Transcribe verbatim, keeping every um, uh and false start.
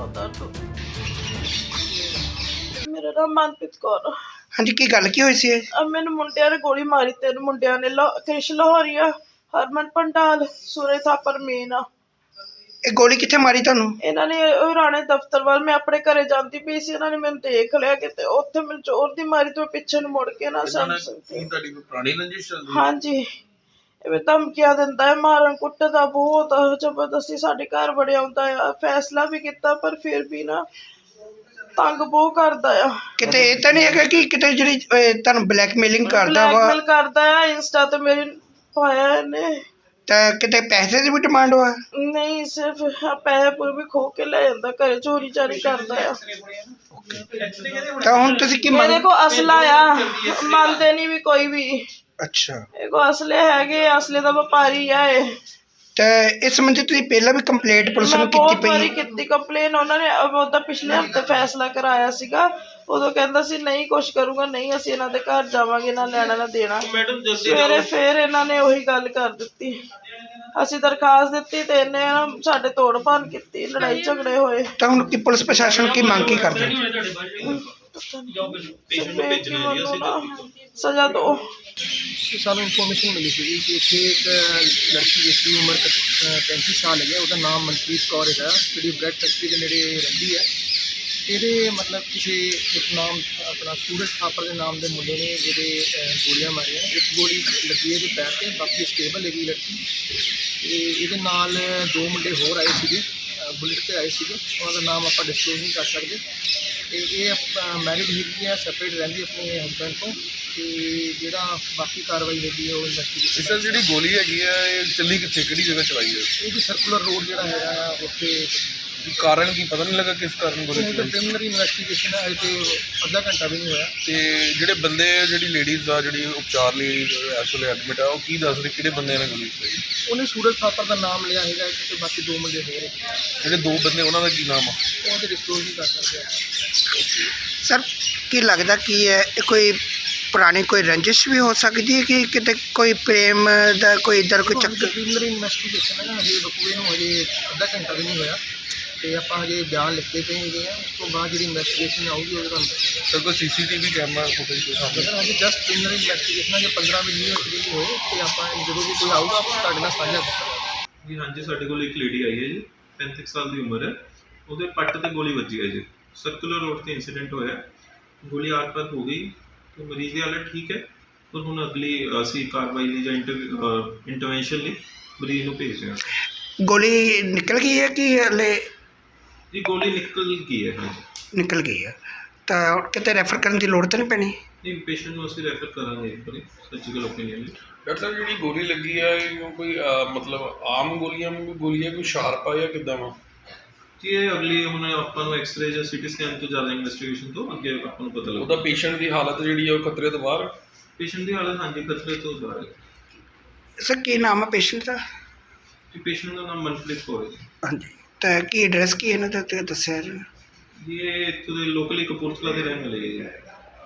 बहुत दर्द होता। मेरा नाम मनप्रीत कौर। हाँ जी, की गल की हुई सी? अब मैंने मुंडिया ने गोली मारी, तीन मुंडिया ने, कृष लाहौरिया, हरमन पंडाल, सूरज थापर मीना। ਇਹ ਗੋਲੀ ਕਿੱਥੇ ਮਾਰੀ ਤੁਹਾਨੂੰ? ਇਹਨਾਂ ਨੇ ਰਾਣੇ ਦਫ਼ਤਰ ਵੱਲ, ਮੈਂ ਆਪਣੇ ਘਰੇ ਜਾਂਦੀ ਪਈ ਸੀ, ਇਹਨਾਂ ਨੇ ਮੈਨੂੰ ਦੇਖ ਲਿਆ ਕਿਤੇ, ਉੱਥੇ ਮੈਨੂੰ ਜ਼ੋਰ ਦੀ ਮਾਰੀ ਤੇ ਪਿੱਛੇ ਨੂੰ ਮੁੜ ਕੇ ਨਾ ਸਮਝ ਸਕਦੀ। ਤੁਹਾਡੀ ਕੋਈ ਪੁਰਾਣੀ ਰੰਜਿਸ਼ ਚੱਲਦੀ? ਹਾਂਜੀ, ਇਹ ਧਮਕੀਆਂ ਦਿੰਦਾ ਹੈ, ਮਾਰਨ ਕੁੱਟਦਾ ਬਹੁਤ ਜ਼ਬਰਦਸਤੀ, ਸਾਡੇ ਘਰ ਬੜਿਆ ਆਉਂਦਾ ਆ। ਫੈਸਲਾ ਵੀ ਕੀਤਾ ਪਰ ਫਿਰ ਵੀ ਨਾ ਤੰਗ ਬਹੁਤ ਕਰਦਾ ਆ। ਕਿਤੇ ਇਹ ਤਾਂ ਨਹੀਂ ਹੈਗਾ ਕਿ ਕਿਤੇ ਜਿਹੜੀ ਤੁਹਾਨੂੰ ਬਲੈਕਮੇਲਿੰਗ ਕਰਦਾ ਵਾ? ਬਲੈਕਮੇਲ ਕਰਦਾ ਆ, ਇੰਸਟਾ ਤੇ ਮੇਰੀ ਪਾਇਆ ਇਹਨੇ। ਤਾਂ ਕਿਤੇ ਪੈਸੇ ਦੀ ਵੀ ਡਿਮਾਂਡ ਵਾ? ਨਹੀਂ, ਸਿਰਫ ਪੈਸੇ ਪੂਰੇ ਵੀ ਖੋ ਕੇ ਲੈ ਜਾਂਦਾ, ਘਰੇ ਚੋਰੀ ਚਾਰੀ ਕਰਦਾ ਆ। ਤਾਂ ਹੁਣ ਤੁਸੀਂ ਕੀ ਮੇਰੇ ਕੋ ਅਸਲਾ ਆ, ਮੰਨਦੇ ਨਹੀਂ ਵੀ ਕੋਈ ਵੀ। ਅੱਛਾ, ਇਹ ਕੋ ਅਸਲੇ ਹੈਗੇ, ਅਸਲੇ ਦਾ ਵਪਾਰੀ ਆ ਇਹ। ਤੇ ਇਸ ਸੰਬੰਧੀ ਤੁਸੀਂ ਪਹਿਲਾਂ ਵੀ ਕੰਪਲੇਂਟ ਪੁਲਿਸ ਨੂੰ ਕੀਤੀ ਬਹੁਤ ਪਈ? ਵਾਰੀ ਕੀਤੀ ਕੰਪਲੇਨ, ਉਹਨਾਂ ਨੇ ਉਹਦਾ ਪਿਛਲੇ ਹਫ਼ਤੇ ਫੈਸਲਾ ਕਰਾਇਆ ਸੀਗਾ, ਉਦੋਂ ਕਹਿੰਦਾ ਸੀ ਨਹੀਂ ਕੁਛ ਕਰੂਗਾ, ਨਹੀਂ ਅਸੀਂ ਇਹਨਾਂ ਦੇ ਘਰ ਜਾਵਾਂਗੇ, ਨਾ ਲੈਣਾ ਨਾ ਦੇਣਾ। ਸਵੇਰੇ ਫੇਰ ਇਹਨਾਂ ਨੇ ਉਹੀ ਗੱਲ ਕਰ ਦਿੱਤੀ। ਅਸੀਂ ਦਰਖਾਸਤ ਦਿੱਤੀ ਤੇ ਇਹਨੇ ਸਾਡੇ ਤੋੜ ਭੰਨ ਕੀਤੀ, ਲੜਾਈ ਝਗੜੇ ਹੋਏ। ਤਾਂ ਹੁਣ ਕੀ ਪੁਲਿਸ ਪ੍ਰਸ਼ਾਸਨ ਕੀ ਮੰਗ ਕੀ ਕਰਦੇ? ਸਜ਼ਾ ਦੋ। ਸਾਨੂੰ ਇਨਫੋਰਮੇਸ਼ਨ ਮਿਲੀ ਸੀ ਕਿ ਇੱਥੇ ਇੱਕ ਲੜਕੀ ਜਿਸ ਦੀ ਉਮਰ ਪੈਂਤੀ ਸਾਲ ਹੈਗੀ, ਉਹਦਾ ਨਾਮ ਮਨਪ੍ਰੀਤ ਕੌਰ ਹੈਗਾ, ਜਿਹੜੀ ਬ੍ਰੈਡ ਫੈਕਟਰੀ ਦੇ ਨੇੜੇ ਰਹਿੰਦੀ ਹੈ। ਇਹਦੇ ਮਤਲਬ ਕਿਸੇ ਇੱਕ ਨਾਮ ਆਪਣਾ ਸੂਰਜ ਥਾਪਰ ਦੇ ਨਾਮ ਦੇ ਮੁੰਡੇ ਨੇ ਜਿਹੜੇ ਗੋਲੀਆਂ ਮਾਰੀਆਂ। ਇੱਕ ਗੋਲੀ ਲੱਗੀ ਇਹਦੇ ਪੈਰ 'ਤੇ, ਬਾਕੀ ਸਟੇਬਲ ਹੈਗੀ ਲੜਕੀ। ਅਤੇ ਇਹਦੇ ਨਾਲ ਦੋ ਮੁੰਡੇ ਹੋਰ ਆਏ ਸੀਗੇ, ਬੁਲਟ 'ਤੇ ਆਏ ਸੀਗੇ, ਉਹਨਾਂ ਦਾ ਨਾਮ ਆਪਾਂ ਡਿਸਕਲੋਜ਼ ਨਹੀਂ ਕਰ ਸਕਦੇ। ਅਤੇ ਇਹ ਮੈਰਿਡ ਹੈਗੀ ਹੈ, ਸੈਪਰੇਟ ਰਹਿੰਦੀ ਆਪਣੇ ਹਸਬੈਂਡ ਤੋਂ। ਅਤੇ ਜਿਹੜਾ ਬਾਕੀ ਕਾਰਵਾਈ ਹੈਗੀ ਹੈ ਉਹ ਇਨਵੈਸਟੀਗੇਸ਼ਨ। ਸਰ ਜਿਹੜੀ ਗੋਲੀ ਹੈਗੀ ਹੈ ਇਹ ਚੱਲੀ ਕਿੱਥੇ, ਕਿਹੜੀ ਜਗ੍ਹਾ ਚਲਾਈ ਹੈ? ਇਹ ਜੀ ਸਰਕੂਲਰ ਰੋਡ ਜਿਹੜਾ ਹੈਗਾ ਆ ਉੱਥੇ। ਕਾਰਨ ਕੀ ਪਤਾ ਨਹੀਂ ਲੱਗਾ ਕਿਸ ਕਾਰਨ ਗੋਲੀ ਇਹ ਤਾਂ ਪ੍ਰੀਲਿਮਿਨਰੀ ਇਨਵੈਸਟੀਗੇਸ਼ਨ ਹੈ, ਅਜੇ ਤੇ ਅੱਧਾ ਘੰਟਾ ਵੀ ਨਹੀਂ ਹੋਇਆ। ਤੇ ਜਿਹੜੇ ਬੰਦੇ ਜਿਹੜੀ ਲੇਡੀਜ਼ ਆ ਜਿਹੜੀ ਉਪਚਾਰ ਲਈ ਇਸ ਵੇਲੇ ਐਡਮਿਟ ਆ, ਉਹ ਕੀ ਦੱਸ ਰਹੇ ਕਿਹੜੇ ਬੰਦਿਆਂ ਨੇ ਗੋਲੀ ਚਲਾਈ? ਉਹਨੇ ਸੂਰਜ ਥਾਪਰ ਦਾ ਨਾਮ ਲਿਆ ਹੈਗਾ ਤੇ ਬਾਕੀ ਦੋ ਮੁੰਡੇ ਹੋਰ ਹੈਗੇ। ਜਿਹੜੇ ਦੋ ਬੰਦੇ ਉਹਨਾਂ ਦਾ ਕੀ ਨਾਮ ਆ? ਉਹ ਤੇ ਡਿਸਕਲੋਜ਼ ਨਹੀਂ ਕਰ ਸਕਦੇ। ਸਰ ਕੀ ਲੱਗਦਾ ਕੀ ਹੈ, ਇਹ ਕੋਈ ਪੁਰਾਣੀ ਕੋਈ ਰੰਜਿਸ਼ ਵੀ ਹੋ ਸਕਦੀ ਹੈ ਕਿ ਕਿਤੇ ਕੋਈ ਪ੍ਰੇਮ ਦਾ ਕੋਈ ਇੱਧਰ ਕੋਈ ਚੱਕਰ? ਪ੍ਰੀਲਿਮਿਨਰੀ ਇਨਵੈਸਟੀਗੇਸ਼ਨ ਹੈ, ਹਜੇ ਬਕੂਏ ਨੂੰ ਹਜੇ ਅੱਧਾ ਘੰਟਾ ਵੀ ਨਹੀਂ ਹੋਇਆ ਅਤੇ ਆਪਾਂ ਹਜੇ ਬਿਆਨ ਲਿਖਦੇ ਪਏ ਹੈਗੇ ਆ। ਉਸ ਤੋਂ ਬਾਅਦ ਜਿਹੜੀ ਇਨਵੈਸਟੀਗੇਸ਼ਨ ਆਊਗੀ ਉਹਦੇ ਤੁਹਾਨੂੰ ਦੱਸਾਂਗੇ। ਸਰ ਕੋਈ CCTV camera footage ਕੋਈ ਸਾਹਮਣੇ? ਸਰ ਹਜੇ ਜਸਟ ਪ੍ਰੀਲਿਮਿਨਰੀ ਇਨਵੈਸਟੀਗੇਸ਼ਨ ਹੈ, ਜੇ ਪੰਦਰਾਂ ਵੀਹ ਮਿੰਟ ਵੀ ਨਹੀਂ ਹੋਏ ਅਤੇ ਆਪਾਂ ਜਦੋਂ ਵੀ ਕੋਈ ਆਊਗਾ ਆਪਾਂ ਤੁਹਾਡੇ ਨਾਲ ਸਾਂਝਾ ਕਰਾਂਗੇ। ਜੀ ਹਾਂਜੀ, ਸਾਡੇ ਕੋਲ ਇੱਕ ਲੇਡੀ ਆਈ ਹੈ ਜੀ, ਪੈਂਤੀ ਸਾਲ ਦੀ ਉਮਰ ਹੈ, ਉਹਦੇ ਪੱਟ ਤੇ ਗੋਲੀ ਵੱਜੀ ਹੈ ਜੀ। ਸਰਕੂਲਰ ਰੋਡ ਤੇ ਇੰਸੀਡੈਂਟ ਹੋਇਆ, ਗੋਲੀ ਆਰ ਪਾਰ ਹੋ ਗਈ ਤੇ ਮਰੀਜ਼ ਦੀ ਹਾਲਤ ਠੀਕ ਹੈ, ਪਰ ਹੁਣ ਅਗਲੀ ਅਸੀਂ ਕਾਰਵਾਈ ਲਈ ਜਾਂ ਇੰਟਰਵੈਂਸ਼ਨ ਲਈ ਮਰੀਜ਼ ਨੂੰ ਭੇਜ ਰਹੇ ਹਾਂ। ਗੋਲੀ ਨਿਕਲ ਗਈ ਹੈ ਕਿ ਹਲੇ? ਜੀ ਗੋਲੀ ਨਿਕਲ ਗਈ ਹੈ। ਹਾਂਜੀ ਨਿਕਲ ਗਈ ਹੈ, ਤਾਂ ਕਿਤੇ ਰੈਫਰ ਕਰਨ ਦੀ ਲੋੜ ਤਾਂ ਨਹੀਂ ਪੈਣੀ? ਨਹੀਂ, ਪੇਸ਼ੈਂਟ ਨੂੰ ਅਸੀਂ ਰੈਫਰ ਕਰਾਂਗੇ ਇੱਕ ਵਾਰੀ ਸਰਜੀਕਲ ਓਪੀਨੀਅਨ ਲਈ। ਡਾਕਟਰ ਸਾਹਿਬ ਜਿਹੜੀ ਗੋਲੀ ਲੱਗੀ ਆ ਇਹ ਕੋਈ ਮਤਲਬ ਆਮ ਗੋਲੀਆਂ ਗੋਲੀ ਹੈ, ਕੋਈ ਸ਼ਾਰਪ ਆ ਜਾਂ ਕਿੱਦਾਂ ਵਾ? ਜੀ ਇਹ ਅਗਲੀ ਹੁਣ ਆਪਾਂ ਨੂੰ ਐਕਸਰੇ ਜਾਂ ਸੀਟੀ ਸਕੈਨ ਤੋਂ ਜ਼ਿਆਦਾ ਇਨਵੈਸਟੀਗੇਸ਼ਨ ਤੋਂ ਅੱਗੇ ਆਪਾਂ ਨੂੰ ਪਤਾ ਲੱਗਦਾ। ਉਹਦਾ ਪੇਸ਼ੈਂਟ ਦੀ ਹਾਲਤ ਜਿਹੜੀ ਆ ਉਹ ਖਤਰੇ ਤੋਂ ਬਾਹਰ? ਪੇਸ਼ੈਂਟ ਦੀ ਹਾਲਤ ਹਾਂਜੀ ਖਤਰੇ ਤੋਂ ਬਾਹਰ ਹੈ। ਸਰ ਕੀ ਨਾਮ ਹੈ ਪੇਸ਼ੈਂਟ ਦਾ? ਜੀ ਪੇਸ਼ੈਂਟ ਦਾ ਨਾਮ ਮਨਪ੍ਰੀਤ ਕੌਰ ਹੈ ਜੀ। ਹਾਂਜੀ, ਤਾਂ ਕੀ ਐਡਰੈਸ ਕੀ ਇਹਨਾਂ ਦਾ ਦੱਸਿਆ ਜੀ? ਜੀ ਇਹ ਇੱਥੋਂ ਦੇ ਲੋਕਲੀ ਕਪੂਰਥਲਾ ਦੇ ਰਹਿਣ ਵਾਲੇ ਹੈ ਜੀ।